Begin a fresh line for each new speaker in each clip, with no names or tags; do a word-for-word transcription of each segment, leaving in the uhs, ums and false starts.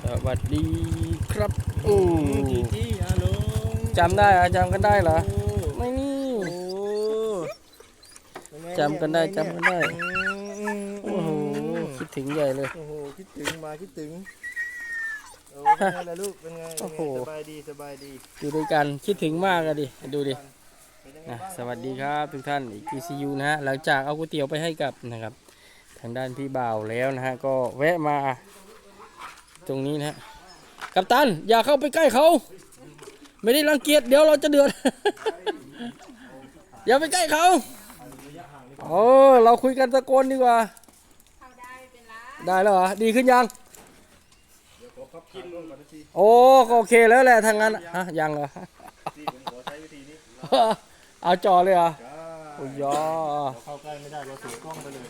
วัสดีครับโอ้
จีจี้ฮัลโหล
จำได้เหรอจำกันได้เหรอ
โอ้
ไม่นี่
โอ้ยังไง
จำกันได้
เย
จำกันได้
อืม
โอ้โหคิดถึงใหญ่เลย
โอ้โหคิดถึงมาคิดถึงโอ้เป็นไงล่ะลูกเป็นไง
โอ้
เป็น
โห
ไงสบายดีสบายดี
อยู่ด้วยกันคิดถึงมากอะดิดูดิ
เป็นยังไง
นะ
บ้าง
สวัสดีครับทุกท่านอีกทีซียูนะฮะหลังจากเอาก๋วยเตี๋ยวไปให้กับนะครับ ทางด้านพี่บ่าวแล้วนะฮะก็แวะมาตรงนี้นะฮะกัปตันอย่าเข้าไปใกล้เขาไม่ได้รังเกียจเดี๋ยวเราจะเดือด อย่าไปใกล้เขาโอ้เราคุยกันตะโกนดีกว่า
เข้าได้ไม่เป็นไร
ได้แล้วเหรอดีขึ้นยัง
เดี๋ยวขอพับกินก่อนก่อนนะที
โอ้ก็โอเคแล้วแหละทางนั้นฮะยังเหรอ
ที่ผมขอใช้วิธีนี้
เอาจอเลยเหรอ
จ้า
โอ้ยอ
เราเข้าใกล้ไม่ได้เราสูงกล้องไปเลย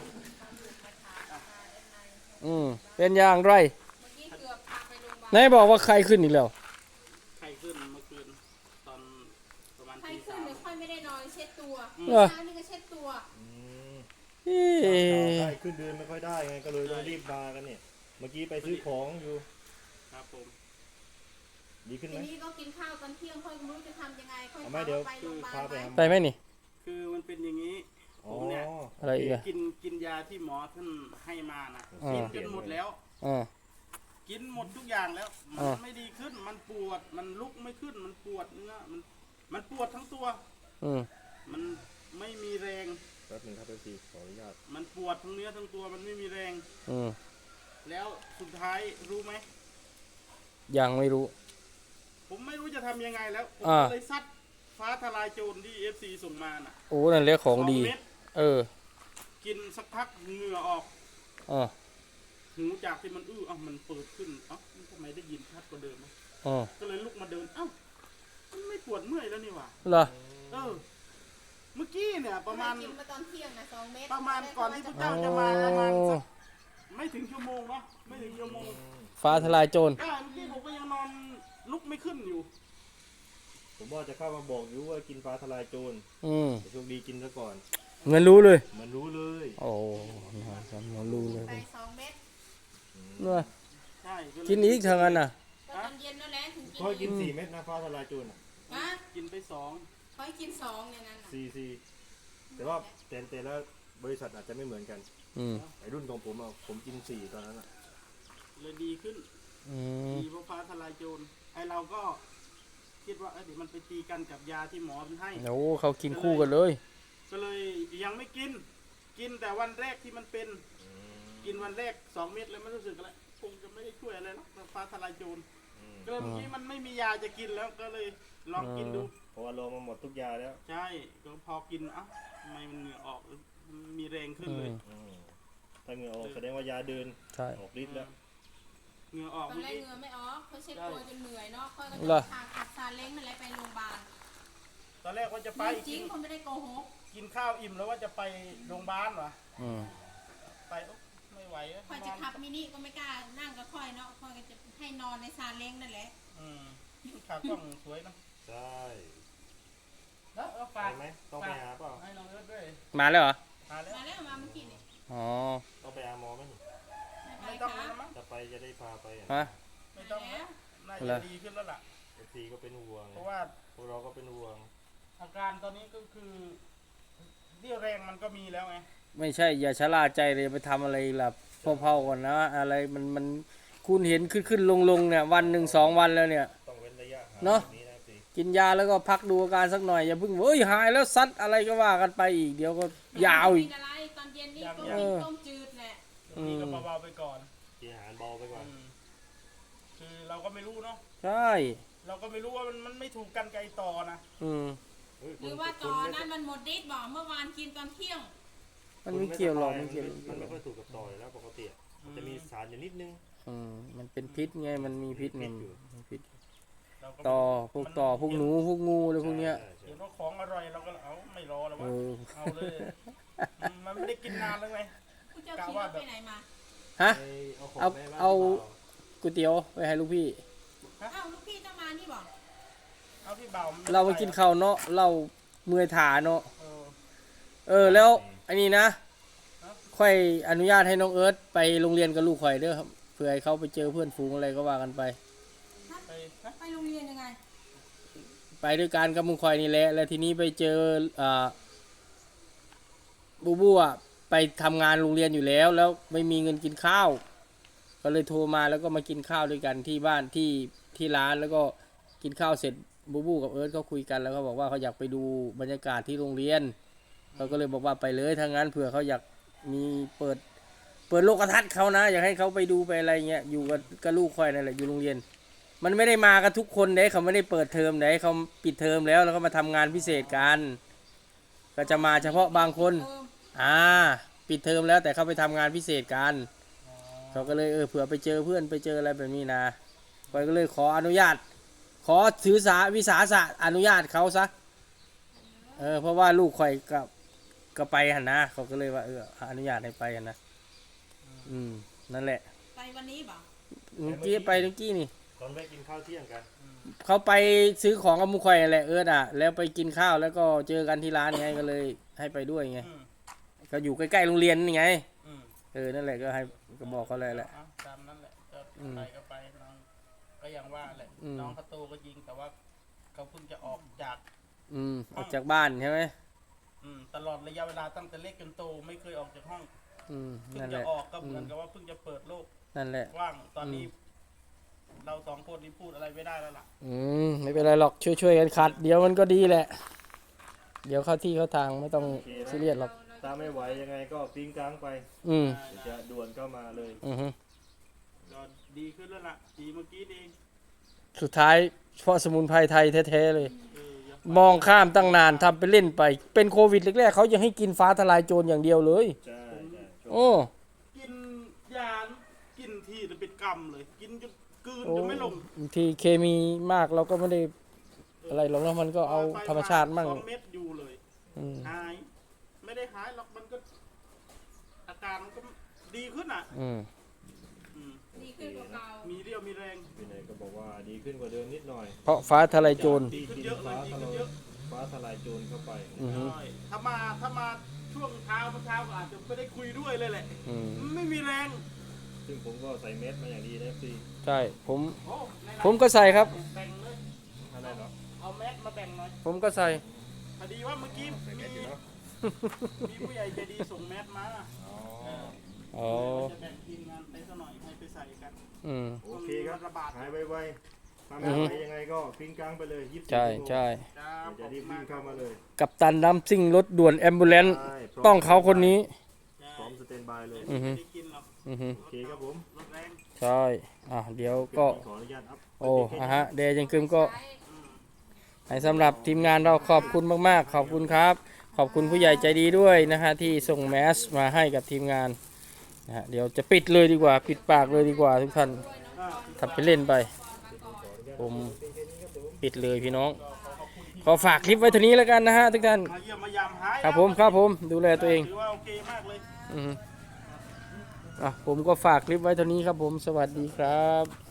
อืมเป็นอย่างไร
เมื่อกี้เกือบพาไปโรงพยาบาล
ไหนบอกว่าใครขึ้นอีกแล้ว
ไข้ขึ้นเมื่อคืนตอนประมาณ
ไข้
ตี
ขึ้
สาน ม
เดี๋ยวค่อยไม่ได้นอนเช็ดตัว
เหรอ
เช้านี่ก็เช็ดตัว
อืม
เอ๊
ใช่
ะ
ขึ้นเดินไม่ค่อยได้ไงก็เลยต้องรีบมากันเนี่ยเมื่อกี้ไปซื้อของอยู่
ครับผม
ดีขึ้นไห
ที
ม
นี้ก็กินข้าวตอนเที่ยงค่อยไม่รู้จะทำยังไงค่อย
เอาไหมเดี๋ยว
ไปโรงพยาบา
พา
ล
ไป
ไหม
หา
ไปไหมนี่
คือมันเป็นอย่างนี้
อ๋
ผ
อ
มเนี่ย
อะไรอีกอะ
กินกินยาที่หมอท่านให้มานะ
อ่า
กินจนหมดแล้ว
อ่า
กินหมดทุกอย่างแล้ว มั
อ่า
นไม่ดีขึ้นมันปวดมันลุกไม่ขึ้นมันปวดเนื้อมันมันปวดทั้งตัว
อืม
มันไม่มีแรง
แป๊บหนึงครับเอฟซีขออนุญาต
มันปวดทั้งเนื้อทั้งตัวมันไม่มีแรง
อืม
แล้วสุดท้ายรู้ไหม
ยังไม่รู้
ผมไม่รู้จะทำยังไงแล้วผม
อ่า
ก็เลยซัดฟ้าทลายโจรที่เอฟซีส่งมาน่ะ
โอ้นั่นเรียกของดี
สเม็ด
เออ
กินสักพักเหงื่อออก
อ่า
หูจากที่มันอื้อเอ้ามันเปิดขึ้นเอ้ามันทำไมได้ยินชัดกว่าเดิมวะ
อ่า
ก็เลยลุกมาเดินเอ้ามันไม่ปวดเมื่อยแล้วนี่หว่า
เหรอ
เออเมื่อกี้เนี่ยประมาณ
กินมาตอนเที่ยงนะสองเม็ด
ประมาณก่อนที่พระ
โอ้
เจ้าจะมาประมาณสักไม่ถึงชั่วโมงเนาะไม่ถึงชั่วโมง
ฟ้าทลายโจร
ก็เมื่อกี้ผมก็ยังนอนลุกไม่ขึ้นอยู่
ผมว่าจะเข้ามาบอกอยู่ว่ากินฟ้าทลายโจร
อืม
แต่โชคดีกินซะก่อน
เงินรู้เลย
มันรู้เลย
โอ้นะครับเงินรู้เลย
ไปสองเม็ด
เนอะ
ใช่เลย
กินอีกทางนั้นน่ะ
ตอนเย็นนั่นแหละถึงกิน
ค่อยกิน
อีก
สี่เม็ดนะฟ้าทลายโจรอ่ะ
ฮะ
กินไปสอง
ค่อยกินสองอย่างนั้นน่ะ
สี่สี่แต่ว่าแต่แต่ละบริษัทอาจจะไม่เหมือนกัน
อืม
ไอรุ่นของผมอ่ะผมกินสี่ตอนนั้นอ่ะ
เลยดีขึ้น
อืม
ดีเพราะฟ้าทลายโจรไอเราก็คิดว่าเอ้ยเดี๋ยวมันไปตีกันกับยาที่หมอมันให้
โอ้เขากินคู่กันเลย
ก็เลยยังไม่กิน กินแต่วันแรกที่มันเป็น กินวันแรกสองเม็ดแล้วไม่รู้สึกอะไรคงจะไม่ได้ช่วยอะไรหรอกฟ้าทลายโจรก็เลยเมื่อกี้มันไม่มียาจะกินแล้วก็เลยลองกินดู
เพราะว่าลงมาหมดทุกยาแล้ว
ใช่ก็พอกินเอ้าทำไมมันเหงื่อออกมันมีแรงขึ้น
อื
เลย
ม
อืมถ้าเหงื่อออกแสดงว่ายาเดิน
ใช่
ออกฤทธิ์แล้ว
เหงื่อออก
ตอน
เมื่อ
แรก
กี้
เหงื่อไม่ออกเขาเช็ดตัวจนเหนื่อยเนาะค่อยก็
เหรอ
จะพาขัดซาเล้งนั่นแหละไปโรงพยาบาล
ตอนแรกว่าจะไป
จริ
กิ
ง
น
คนไม่ได้โกหก
กินข้าวอิ่มแล้วว่าจะไปโรงพยาบาลวะ
อืม
ไปโอ๊ะไม่ไหวอะ
ค่อยจะขับมินิก็ไม่กล้านั่งก็ค่อยเนาะค่อยก็จะให้นอนในซาเล้งนั่นแหละ
อืมขากล้องสวยนะ
ใช่
แล้วเอา
ไป
ฝาก
ไหมต้องไปหาเปล่า
ให้น้องเอิร์ธด้วย
มาแล้วเหรอ
มาแล้ว
มาแล้วมาเมื่อกี้นี่
อ๋อ
ต้องไปหาหมอไหม
ไม่
ไม่
ไป
ต้อง
ค่ะ
แล้วมั้ง
จะไปจะได้พาไปอ่ะ
ฮะ
ไม่ต้องแล้วน่า
เหร
จะ
อ
ดีขึ้นแล้วล่ะ
เอฟซีก็เป็นห่วง
เพราะว่า
พวกเราก็เป็นห่วง
อาการตอนนี้ก็คือเรี่ยวแรงมันก็มีแล้วไง
ไม่ใช่อย่าชะล่าใจเลยไปทำอะไรล่ะเผาๆก่อนนะอะไรมันมันคุณเห็นขึ้นขึ้นลงลงเนี่ยวันหนึ่งสองวันแล้วเนี่ย
ต้องเว้นระยะห่าง
เนอะ
แบบนี้นะสิ
กินยาแล้วก็พักดูอาการสักหน่อยอย่าเพิ่งเฮ้ยหายแล้วซัดอะไรก็ว่ากันไปอีกเดี๋ยวก็ยาวอีก
กินอะไรตอนเย็นนี่ก็
เอ
กิน
อ
ต้มจืดแหละ
อืม
นี่ก็เบาๆไปก่อน
กินอาหารเบาไปก่อน
อืมคือเราก็ไม่รู้เนาะ
ใช่
เราก็ไม่รู้ว่ามันมันไม่ถูกกันไกลต่อนะ
อืม
เฮ้ย
หรือว่าตอนนั้นมันหมดฤทธิ์บอกเมื่อวานกินตอนเที่ยง
มันไม่เกี่ยวหรอกไม่เกี่ยว
มันไม่ค่อยถูกกับต่อยแล้วปกติอะมันจะมีสารอยู่นิดนึง
อืมมันเป็นพิษไงมันมีพิษไงมีพิษ
เราก็ไม่
ต่อ
รู้
พวกต่อพวกหนูพวกงูอะไรพวกเนี้ย
ใช่ใช่
เห็นว่าของอร่อยเราก็เอาไม่รอแล้ว
เอ
วะ
อ
เอาเลยอืมมันไม่ได้กินนานแล้วไง
คุณเจ้าขี่รถไปไหนมา
ฮะ
ไปเอาของ
เอา
แม่บ้น
เอา
หรืปล่
ก๋วยเตี๋ยวไปให้ลูกพี่
เอ้าลูกพี่ต้องมานี่บอก
เอาพี่เบา
เราไปกินข้าวเนาะเราเมื่อยขาเนาะ
เออ
เออแล้วอันนี้นะค่อยอนุญาตให้น้องเอิร์ธไปโรงเรียนกับลูกข่อยเด้อครับผื่อให้เขาไปเจอเพื่อนฝูงอะไรก็ว่ากันไป
ไปฮะ
ไปโรงเรียนยังไง
ไปด้วยกันกับมุงคอยนี่แหละแล้วทีนี้ไปเจออ่าบูบูอ่ะไปทำงานโรงเรียนอยู่แล้ว แล้วไม่มีเงินกินข้าว ก็เลยโทรมาแล้วก็มากินข้าวด้วยกันที่บ้านที่ที่ร้านแล้วก็กินข้าวเสร็จบูบูกับเอิร์ธเขาคุยกันแล้วก็บอกว่าเขาอยากไปดูบรรยากาศที่โรงเรียนเขาก็เลยบอกว่าไปเลยถ้างั้นเผื่อเขาอยากมีเปิดเปิดโลกทัศน์เขานะอยากให้เขาไปดูไปอะไรเงี้ยอยู่กับกับลูกคอยนั่นแหละอยู่โรงเรียน มันไม่ได้มากันทุกคนเด้เขาไม่ได้เปิดเทอมเด้เขาปิดเทอมแล้วแล้วก็มาทำงานพิเศษกันก็จะมาเฉพาะบางคนอ่าปิดเทอมแล้วแต่เขาไปทำงานพิเศษกันเขาก็เลยเออเผื่อไปเจอเพื่อนไปเจออะไรแบบนี้นะคอยก็เลยขออนุญาต ขอถือสาวิสาสะอนุญาตเขาซะเออเพราะว่าลูกคอยกับก็ไปหันนะเขาก็เลยว่าเอออนุญาตให้ไปหันนะอืมนั่นแหละ
ไปวันนี้บ่
เมื่อกี้ไปเมื่อกี้นี่
ตอนไปกินข้าวเที่ยงกัน
เขาไปซื้อของกับมุขคอยนั่นแหละเอิร์ดอ่ะแล้วไปกินข้าวแล้วก็เจอกันที่ร้านไงก็เลยให้ไปด้วยไง
อืม
ก็อยู่ใกล้ๆโรงเรียนนี่ไง
อืม
เออนั่นแหละก็ให้ก็บอกเขาเลยแหละ
เอาตามนั้นแหละจะ
อืม
ไปก็ไปน้องก็อย่างว่าแหละ
อืม
น้องเขาโตก็จริงแต่ว่าเขาเพิ่งจะออกจาก
อืมออกจากบ้านใช่ไหม
อืมตลอดระยะเวลาตั้งแต่เล็กจนโตไม่เคยออกจากห้อง
อืม
เพิ่ง
นั่น
จะ
แหละ
ออกก็เหมือนกับว่าเพิ่งจะเปิดโลก
นั่นแหละ
กว้างตอนนี้ เราสองคนนี้พูดอะไรไม่ได้แล้วล่ะ
อืมไม่เป็นไรหรอกช่วยๆกันขัด เดี๋ยวมันก็ดีแหละ เดี๋ยวเข้าที่เข้าทางไม่ต้องซีเรียสหรอก
ตาไม่ไหวยังไงก็ปิ้งกลางไป
อืม
เดี๋ยวจะด่วนเข้ามาเลย
อือฮึ
ก็ดีขึ้นแล้วล่ะดีเมื่อกี้นี่เอง
สุดท้ายเพราะสมุนไพรไทยแท้ๆเลย
เอออย่า
มองข้ามตั้งนานทำไปเล่นไป เป็นโควิดแรกๆเขายังให้กินฟ้าทลายโจรอย่างเดียวเลย
ใช่ใช่
โอ้
กินยากินทีจะเป็นกรรมเลย กินจนกลืน
โอ้
จนไม่ลง
บางทีเคมีมากเราก็ไม่ได้อะไรหรอกนะมันก็เอาธรรมชาติมั่ง
สองเม็ดอยู่เลย
อืม
หาย ไม่ได้หายหรอกมันก็ อาการมันก็ดีขึ้นอ่ะ
อืม
อืม
ดีขึ้นกว่าเก่า
มีเรี่ยวมีแรง
พี่นายก็บอกว่าดีขึ้นกว่าเดิมนิดหน่อย
เพราะฟ้าทลายโจร
ที่กินฟ้าทลายฟ้าทลายโจรเข้าไป
อือฮึ
ใช่ถ้ามาถ้ามาช่วงเช้าเมื่อเช้าก็อาจจะไม่ได้คุยด้วยเลยแหละ
อืม
ไม่มีแรง
ซึ่งผมก็ใส่เม็ดมาอย่างดีนะพี่
ใช่ผม
โอ้ในร้าน
ผมก็ใส่ครับ
แบ่งเลย
อะไรเนาะ
เอาแมสมาแบ่งหน่อย
ผมก็ใส่
พอดีว่าเมื่อกี้
ใส่
มี
เม็ดอยู่เนาะ
มีผู้ใหญ่ใจดีส่งแมสมา
อ๋อ
เออ
อ๋อ
จะแบ่งทีมงานไปสักหน่อยให้ไปใส่กัน
อืม
โอเคครับ
ระบาด
หายไวๆถ้า
อื
ไม่
อฮึ
ไหวยังไงก็ปิ้งกลางไปเลยยี่สิบ
ใช่ใช่
ครับ
จะรีบวิ่งเข้ามาเลย
กับตันน้ำซิ่งรถด่วนแอมบูเลน
ใช่พร้ม
ต้องเขาคนนี้
พร้อมสเตนบายเลย
อือฮึ
ไม่ได้กินหรอก
อือฮึ
โอเคครับผม
รถแรง
ใช่อ่ะเดี๋ยวก็
ขออนุญาตอัพ
โอ้อะฮะเดย์ยังคืมก็
ใช้
อืม
ให้สำหรับทีมงานเราขอบคุณมากๆ ขอบคุณครับ ขอบคุณผู้ใหญ่ใจดีด้วยนะฮะที่ส่งแมสมาให้กับทีมงานนะฮะเดี๋ยวจะปิดเลยดีกว่า ปิดปากเลยดีกว่าทุกท่าน
อ่า
ทำไปเล่นไป ผมปิดเลยพี่น้อง ขอฝากคลิปไว้เท่านี้แล้วกันนะฮะทุกท่าน
มาเยี่ยมมายามหาย
ครับผมครับผมดูแลตัวเอง
ถือว่าโอเคมากเลย
อือฮึอ่ะผมก็ฝากคลิปไว้เท่านี้ครับผมสวัสดีครับ